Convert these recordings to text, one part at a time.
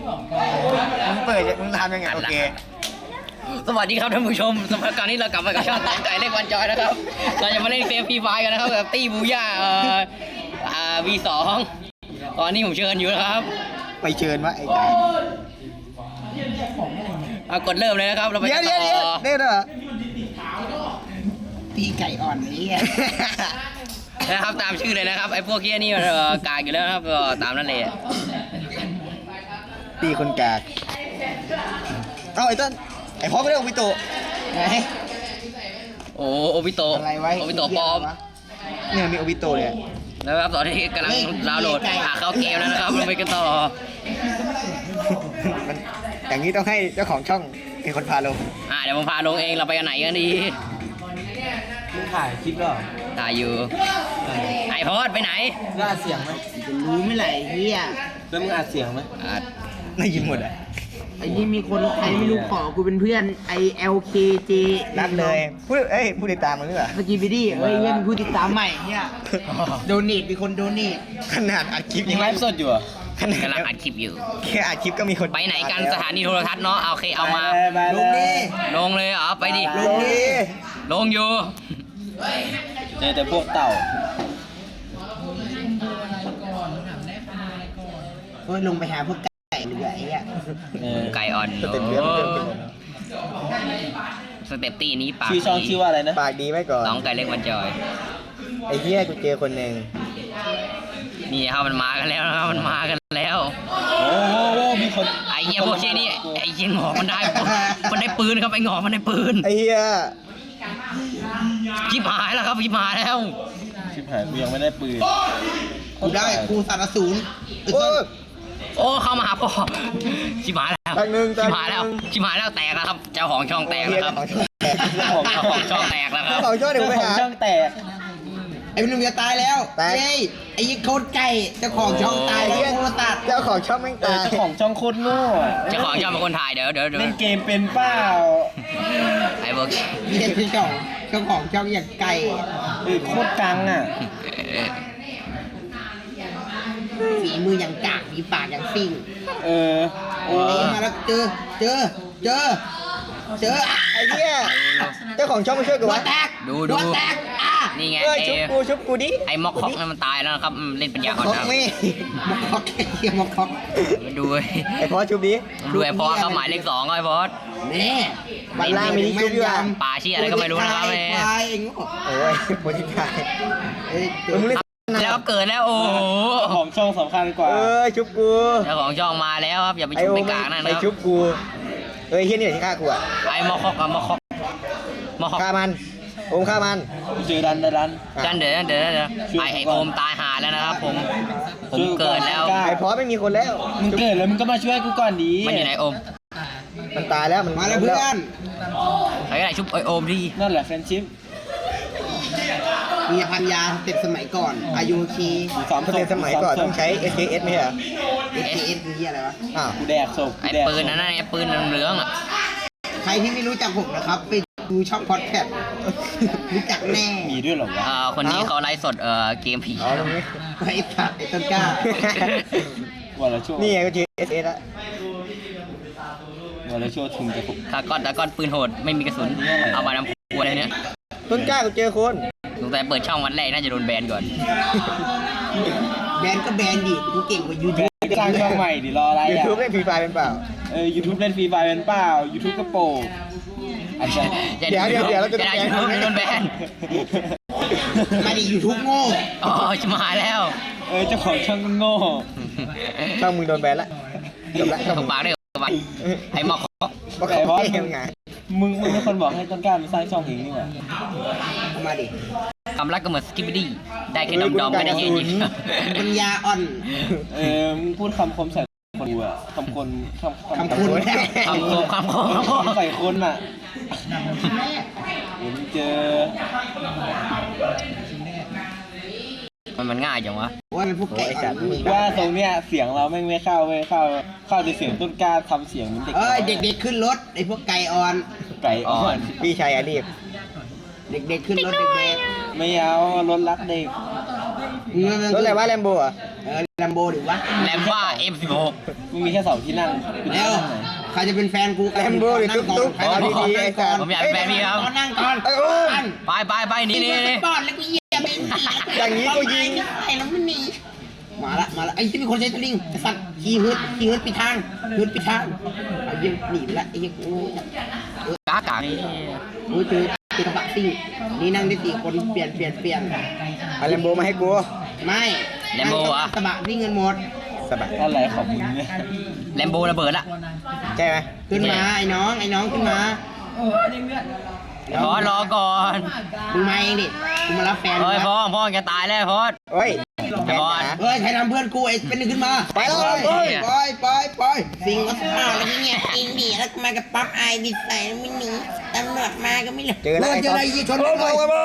มึงเปิดมึงทำยังไงโอเคสวัสดีครับท่านผู้ชมสำหรับการนี้เรากลับมากับช่องตามไก่เล็กวันจอยนะครับเราจะมาเล่นเฟรพีไฟกันนะครับกับตี้บูย่าV2 ตอนนี้ผมเชิญอยู่นะครับไปเชิญวะไอ้ไก่กดเริ่มเลยนะครับเราไปต่อเด้อเหรอตีไก่อ่อนนี้นะครับตามชื่อเลยนะครับไอ้พวกเกี้ยนี่กากอยู่แล้วครับก็ตามนั่นเลยตีคนกากเอาไอ้ต้นไอ้พ่อไม่ได้โอบิโตะไงโอบิโตะโอบิโตะปลอมเนี่ยมีโอบิโตะเนี่ยแล้วครับตอนนี้กำลังดาวน์โหลดเข้าเกมแล้วนะครับเราไปกันต่อมันอย่างนี้ต้องให้เจ้าของช่องเป็นคนพาลงเดี๋ยวผมพาลงเองเราไปกันไหนกันดีมึงถ่ายคลิปหรอถ่ายอยู่ไอพอดไปไหนอัดเสียงไหมจะรู้ไม่ไหลเฮียแล้วมึงอัดเสียงไหมอัดได้ยินหมดอ่ะไอ้นี่มีคนใครไม่รู้ขอกูเป็นเพื่อนไอ LKJ นัดเลยผู้ติดตามมึงหรือเปล่าสกีบิดี้เนี่ยมีผู้ติดตามใหม่เนี่ยโดเนทมีคนโดเนทขนาดอัดคลิปยังไลฟ์สดอยู่ขนาดกำลังอัดคลิปอยู่แค่อัดคลิปก็มีคนไปไหนกันสถานีโทรทัศน์เนาะโอเคเอามาลงดิลงเลยไปดิลงอยู่เจอแต่พวกเต่าลงไปหาพวกไก่เหลือไอ้เนี่ยไก่อ่อนสเต็ปตีนี้ปากชื่อช่องชื่อว่าอะไรนะปากดีไหมก่อนน้องไก่เล็กวันจอยไอ้เหี้ยกูเจอคนหนึ่งนี่ครับมันมากันแล้วนะครับมันมากันแล้วโอ้มีคนไอ้เหี้ยพวกเชี่ยนี่ไอ้เหี้ยหงอมันได้ปืนครับไอ้หงอมันได้ปืนไอ้เหี้ยชิบหายแล้วครับชิบหายแล้วชิบหายกูยังไม่ได้ปืนกูได้กูสารสูญโอ้เข้ามาหาพ่อชิบหายแล้วชิบหายแล้วแตกแล้วครับเจ้าของช่องแตกแล้วครับเจ้าของช่องแตกแล้วครับเจ้าของช่องเดี๋ยวไปหาช่องแตกไอ้หนุ่มจะตายแล้วเย้ไอ้ยิ่งโคตรไก่เจ้าของช่องตายแล้วโคตรตัดเจ้าของช่องแม่งตายเจ้าของช่องโคตรโง่เจ้าของช่องเป็นคนถ่ายเดี๋ยวเล่นเกมเป็นเปล่าไอ้พวกนี่เป็นเจ้าของช่องอย่างไก่โคตรกังอ่ะฝีมืออย่างกากมีปากอย่างซิ่งมาแล้วเจอไอ้เหี้ยเจ้าของช่องมาช่วยกูวะดูนี่ไงชุบกูดิไอ้ม็อกคอกมันตายแล้วครับเล่นปัญญาอ่อนนะม็อกคอกม็อกคอกดูไอ้พอชุบดิดูไอ้พอเขาหมายเลข2ไอ้พอนี่บัลล่ามีนี่ชุบด้วยป่าชี้อะไรก็ไม่รู้นะครับโอ้ยโปรติกายแล้วเกิดแล้วโอ้โหของช่องสำคัญกว่าชุบกูเจ้าของช่องมาแล้วครับอย่าไปชุบไปกลางนะไปชุบกูเฮียนี่ที่ฆ่ากูอ่ะไอ้มอคอกฆ่ามันโอมฆ่ามันเจอดันเดี๋ยวไอ้โอมตายหาแล้วนะครับผมเกิดแล้วไอ้พอไม่มีคนแล้วมึงเกิดแล้วมึงก็มาช่วยกูก่อนดีมันอยู่ไหนโอมมันตายแล้วมันมาแล้วเพื่อนใครก็ได้ชุบไอ้โอมดีนั่นแหละแฟนชิปมีพันยาเต็มสมัยก่อนอายุคีเต็มสมัยก่อนต้องใช้ SKS ไหมฮะ SKS คืออะไรวะกูแดกศพไอ้ปืนนั่นไอ้ปืนเหลืองอ่ะใครที่ไม่รู้จักผมนะครับไปดูช่องพอดแคสต์รู้จักแน่มีด้วยหรอวะคนนี้เขาไลฟ์สดเกมผีตรงนี้ไอ้สัตว์ไอ้ต้นกล้าวันละชั่วนี่ไงก็เจอ SS ละวันละชั่วถึงจะตาก้อนปืนโหดไม่มีกระสุนเอามาทำขวดอะไรเนี่ยต้นกล้ากูเจอคนสงสัยเปิดช่องวันแรกน่าจะโดนแบนก่อนแบนก็แบนดิกูเก่งกว่ายูทูบสร้างช่องใหม่ดิรออะไรอ่ะ YouTube เล่นฟรีไฟเป็นเปล่าYouTube เล่นฟรีไฟเป็นเปล่า YouTube ก็โปเดี๋ยวเราจะโดนแบนมาดิ YouTube โง่ชิมาแล้วเจ้าของช่องโง่ช่องมึงโดนแบนละจบละถูกปากได้ปะไอ้หมอกไอ้บอสมึงเป็นคนบอกให้ต้นกล้ามาสร้างช่องเองนี่หว่ามาดิคำรักก็เหมือนสกิปปี้ได้แค่ดอมไม่ได้เย็นปัญญาอ่อนมึงพูดคำคมใส่คนดูอะคำคุณใส่คนอ่ะผมเจอมันง่ายจังวะว่าเป็นพวกไก่จัดว่าตรงเนี้ยเสียงเราไม่เข้าในเสียงต้นกล้าทำเสียงมันเด็กขึ้นรถไอ้พวกไก่อ่อนพี่ชายอาลีฟเด็กขึ้นรถเด็กไม่เอารถรักเด็กรถอะไรวะแลมโบอ่ะแลมโบดิวะแลมบ้า M16 มึงมีแค่2ที่นั่งแล้วใครจะเป็นแฟนกูแลมโบหรือตุ๊กๆเอาดีๆไอ้สัตว์ผมอยากเป็นแฟนพี่ครับนั่งก่อนไปนี่ป้อนแล้วกูเหยียบอย่างนี้กูยิงไอ้แล้วมันหนีมาละไอ้ที่มีคนใช้สลิงไอ้สัตว์ขี่ฮึดปิดทางไอ้ยิงหนีไปละไอ้ยิงกูกากาโอ้ยเจอกระบะซิ่งนี่นั่งได้4 คนเปลี่ยนเอาแลมโบมาให้กูไม่แลมโบอะกระบะนี่เงินหมดสบายอะไรของมึงเนี่ยแลมโบระเบิดละใช่ไหมขึ้นมาไอ้น้องขึ้นมาพอรอก่อนมึงมาเองดิกูมารับแฟนเฮ้ยพ่อจะตายแล้วพ่อเฮ้ยไอ้บอลเฮ้ยใครทำเพื่อนกูไอ้เป็นหนึ่งขึ้นมาไปแล้วไปสิ่งวัฒนธรรมแล้วเนี่ยอินเดียแล้วมากับปั๊บไอดิใส่แล้วไม่หนีตำรวจมาก็ไม่เหลือเจอแล้วเจออะไรยี่ชนเลย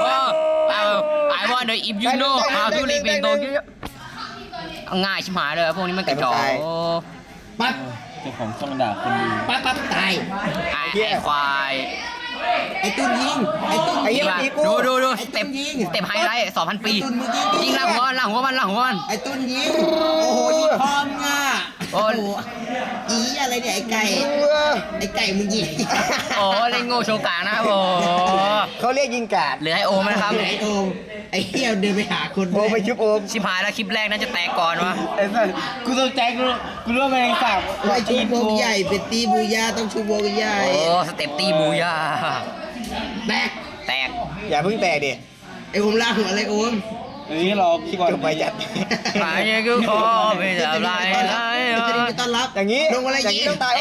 I wonder if you know how to live in Tokyo ง่ายชิบหายเลยพวกนี้มันกระจอกปั๊บเจ้าของช่องด่าคนดูปั๊บตายไอ้ควายไอ้ตุ้นยิงไอ้ตุ้นไอ้เหี้ยดูสเต็ปไฮไลท์ 2,000 ปียิงล่างหัวมันไอ้ตุ้นยิงโอ้โหยิงพร้อมง่ะโอ้อีอะไรเนี่ยไอ้ไก่มึงยิงโอ้เล่นโง่โชว์กลางนะครับโอ้เขาเรียกยิงกาดเหลือไอโอมนะครับไอ้โอมไอ้เหี้ยเดินไปหาคนโอไปชุบโอมชิบหายแล้วคลิปแรกน่าจะแตกก่อนวะไอ้สัสกูตกใจกูรู้ว่าแมลงสาบไอ้ชูวงใหญ่เป็นตีบูยาต้องชูวงใหญ่โอ้สเต็ปตีบูยาแบกแตกอย่าเพิ่งแตกดิไอ้โอมลากหัวอะไรโอมเฮ้ยรอคิดก่อนไปจัดหายกูขอไม่ทำไรจะได้ต้อนรับอย่างนี้ลงอะไรอย่างยินี้งต้องตาย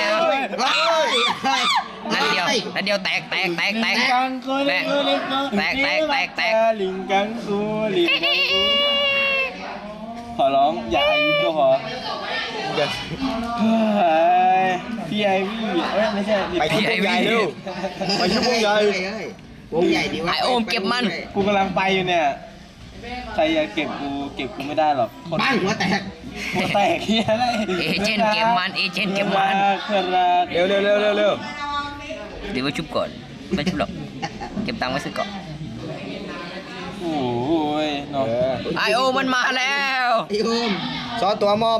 นัดเดียวแตกกังกูลิงกูลิงกูแตกลิงกังกูลิงกังกูขอร้องอย่าอายุก็พอพี่ไอวี่ไม่ใช่ไปชุบวงใหญ่เร็วไปชุบวงใหญ่วงใหญ่ดีวะไอโอมเก็บมันกูกำลังไปอยู่เนี่ยใครอยากเก็บกูไม่ได้หรอกคนบ้านหัวแตกหัวแตกเฮียอะไรเอเจนต์เก็บมันเร็วเดี๋ยวไปชุบก่อนไม่ชุบหรอกเก็บตังค์ไว้ซื้อก่อนโอ้ยเนาะไอโอมันมาแล้วไอ้โอมซอตัวมอบ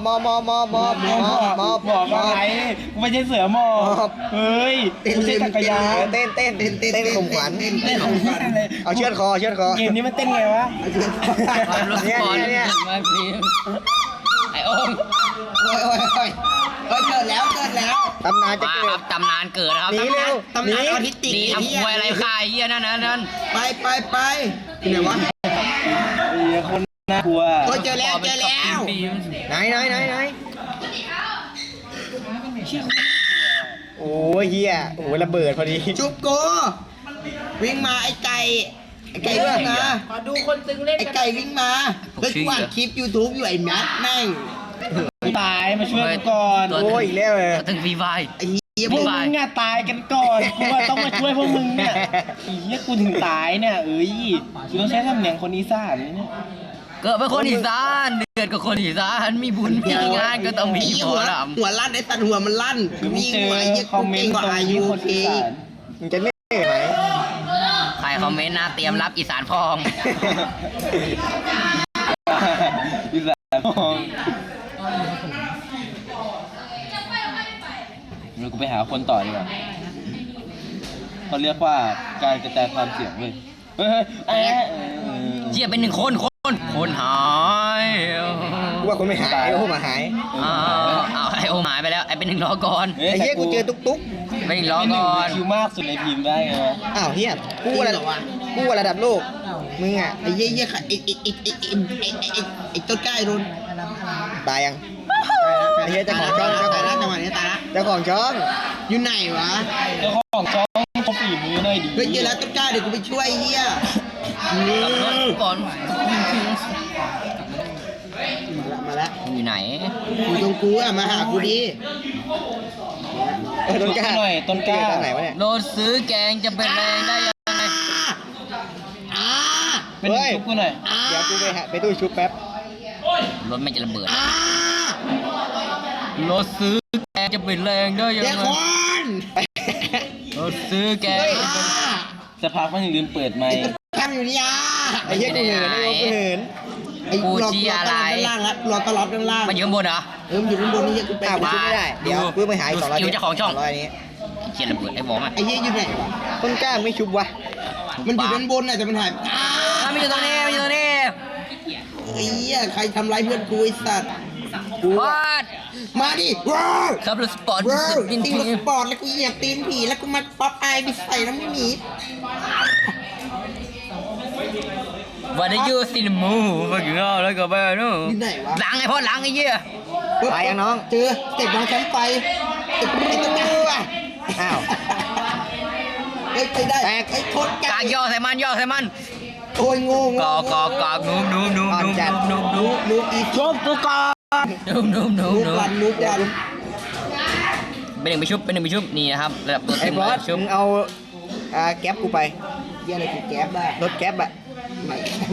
อะไรกูไม่ใช่เสือมอบเฮ้ยกูใช่จักรยานเต้นข่มขวัญเอาเชือดคอเกมนี้มันเต้นไงวะรถก่อนมาพิมไอโอมโอ้ยเกิดแล้วตำนานจะมาเกิครัดบตำนานเกิดครับหนีเร็วตำนานออทิสติกนี่ทำควยอะไรค่ายเฮียนั่นไปที่ไหนวะคนน่ากลัวโอ้ยเจอแล้วไหนโอ้ยเฮียโอ้ยระเบิดพอดีจุบโกวิ่งมาไอ้ไก่วิ่งมาขอดูคนตึงเล่นไอ้ไก่วิ่งมาเฮ้ยกูอ่านคลิป YouTube อยู่ไอ้แมทแม่งตายมาช่วยกูก่อนโอ้ยอีกแล้วเลยถึงฟรีไฟไอ้เหี้ยพวกมึงอะตายกันก่อนกูว่าต้องมาช่วยพวกมึงเนี่ยอีเหี้ยกูถึงตายเนี่ยกูต้องใช้สำเนียงคนอีสานเนี่ยเกิดเป็นคนอีสานเดือดกับคนอีสานมีบุญมีงานก็ต้องมีหมอลำหัวลั่นไอ้ตันหัวมันลั่นคือมึงวิ่งเจอหัวไอ้เหี้ยคอมเมนต์ตรงนี้คนอีสานมึงจะไม่เหนื่อยไหมใครคอมเมนต์นะเตรียมรับอีสานพองอีสานมองเรากูไปหาคนต่อดีกว่าเขาเรียกว่าการกระจายความเสี่ยงเว้ยเจียเป็น1 คนหายว่าคนไม่หายไอ้โอ้มาหายเอาไอโอหายไปแล้วไอเป็น1ล้อก่อนไอ้เหี้ยกูเจอตุ๊กเป็น1ล้อก่อนคิวมากสุดในทีมได้ไงวะอ้าวเฮียกูระดับโลกมึงอ่ะไอ้เหี้ยไอ้ต้นกล้าไอ้รุนตายยังไอ้เหี้ยเจ้าของช่องตายแล้วจังหวะนี้ตายแล้วเจ้าของช่องอยู่ไหนวะเจ้าของช่องเขาฝีมือหน่อยดีเฮ้ยเจอแล้วต้นกล้าเดี๋ยวกูไปช่วยไอ้เหี้ยกับรถก่อนมาแล้วอยู่ไหนอยู่ตรงกูอะมาหากูดิต้นกล้าหน่อยต้นกล้าไหนวะเนี่ยรถซื้อแกงจะเป็นแรงได้ยังไงเป็นชุบกูหน่อยเดี๋ยวกูไปตู้ชุบแป๊บรถไม่จะระเบิดรถซื้อแกงจะเป็นแรงได้ยังเดี๋ยวไงคนรถซื้อแกงจะพักมันถึงลืมเปิดไมค์ทำอยู่นี่อ่ะไอ้เหี้ยกูเหินไอ้รอต้อนรับด้านล่างละรอต้อนรับด้านล่างมันอยู่ข้างบนเหรอมันอยู่ด้านบนนี่กูไปกูชุบไม่ได้เดี๋ยวกูไปหาอีกดู 200 สกิลเจ้าของช่อง 200นี้เขียนระเบิดไอ้บอมอ่ะไอ้เหี้ยอยู่ไหนวะต้นกล้าไม่ชุบวะมันอยู่ด้านบนน่ะแต่มันหายมันอยู่ตรงนี้มันอยู่ตรงนี้ไอ้เหี้ยใครทำร้ายเพื่อนกูไอ้สัตว์วาดมาดิว้าวครับรถสปอร์ตว้าวบินตีทีรถสปอร์ตแล้วกูเหยียบตีนผีแล้วกูมาป๊อปอายไปใส่น้ำหมีวันนี้ยูซินมูมากินข้าวแล้วก็ไปนู่นอยู่ไหนวะล้างไอ้พ่อล้างไอ้เหี้ยไปยังน้องเจอเตะบอลแชมป์ไปไอ้ตัวนี้ว่ะอ้าวเฮ้ยไปได้ไอ้โคตรกากย่อใส่มันย่อใส่มันโอ้ยงงกอกนุ่มนุ่มนุ่มนุ่มนุ่มนุ่มลูกอีกชุบกูก่อนนุ่มนุ่มนุ่มลูกนุ่มรันลูกรันเป็นหนึ่งไปชุบเป็นหนึ่งไปชุบนี่นะครับระดับตัวไอ้เต็มบอเลสยชุบมึงเอาแก๊ปกูไปเยี่ยอะไรกูแก๊บได้รถแก๊ปอะไหน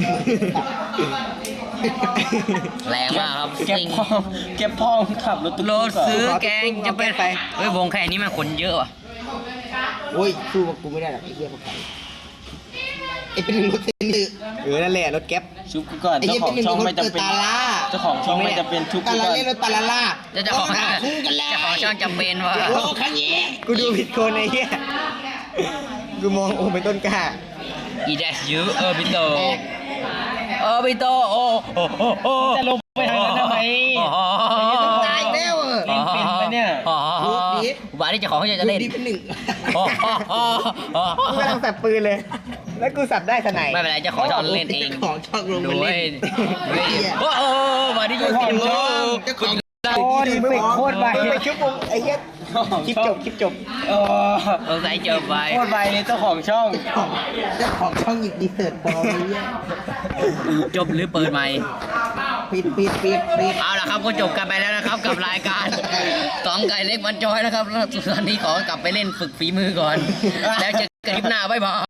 แรงมากครับเก็บซิงพ่อเก็บพ่อขับรถตุ๊กรถซื้อแกงจะเป็นไปเฮ้ยวงแค่นี้มันคนเยอะว่ะโอ้ยสู้กับกูไม่ได้หรอกไอ้เหี้ยพวกเขาไอ้เป็นหนึ่งรถเซนต์นั่นแหละรถแก๊ปชุบกูก่อนไอ้เจ้าเหี้ยขอเป็นงหนึ่งช่องรถไม่เปิดจำเป็นตาล่าเจ้าของช่องไม่จำเป็นชุบตากูลาก่อนเล่นรถตาลาล่าเจ้าของคู่กันแล้วเจ้าของช่องจำเป็นว่ะโอ้คันนี้กูดูผิดคนไอ้เหี้ยกูมองโอ้เป็นต้นกล้าอีเดสยูบิโตบิโตโอ้โอ้จะลงไปทางนั้นทำไมตายแล้วเออเล่นเป็นปะเนี่ยบ้านนี้เจ้าของเขาจะเล่นดีเป็นหนึ่งกูกำลังสับปืนเลย แล้วกูสับได้ทนายไม่เป็นไรเจ้าของช่องเล่นเองของช่องลงด้มาวยเล่นด้วยโอ้โหบ้านนี้ยูซินมูเจ้าของโอ้ยมึงโคตรไปไปชุบมึงไอ้เหี้ยคลิปจบเออสงสัยเจอไปโคตรไปเลยเจ้าของช่องเจ้าของช่องหยิบดีเสิร์ตปลอมเลยจบหรือเปิดใหม่ปิดเอาละครับก็จบกันไปแล้วนะครับกับรายการสองไก่เล็กมันจอยนะครับแล้วตอนนี้ขอกลับไปเล่นฝึกฝีมือก่อน แล้วเจอกันคลิปหน้าบ๊ายบาย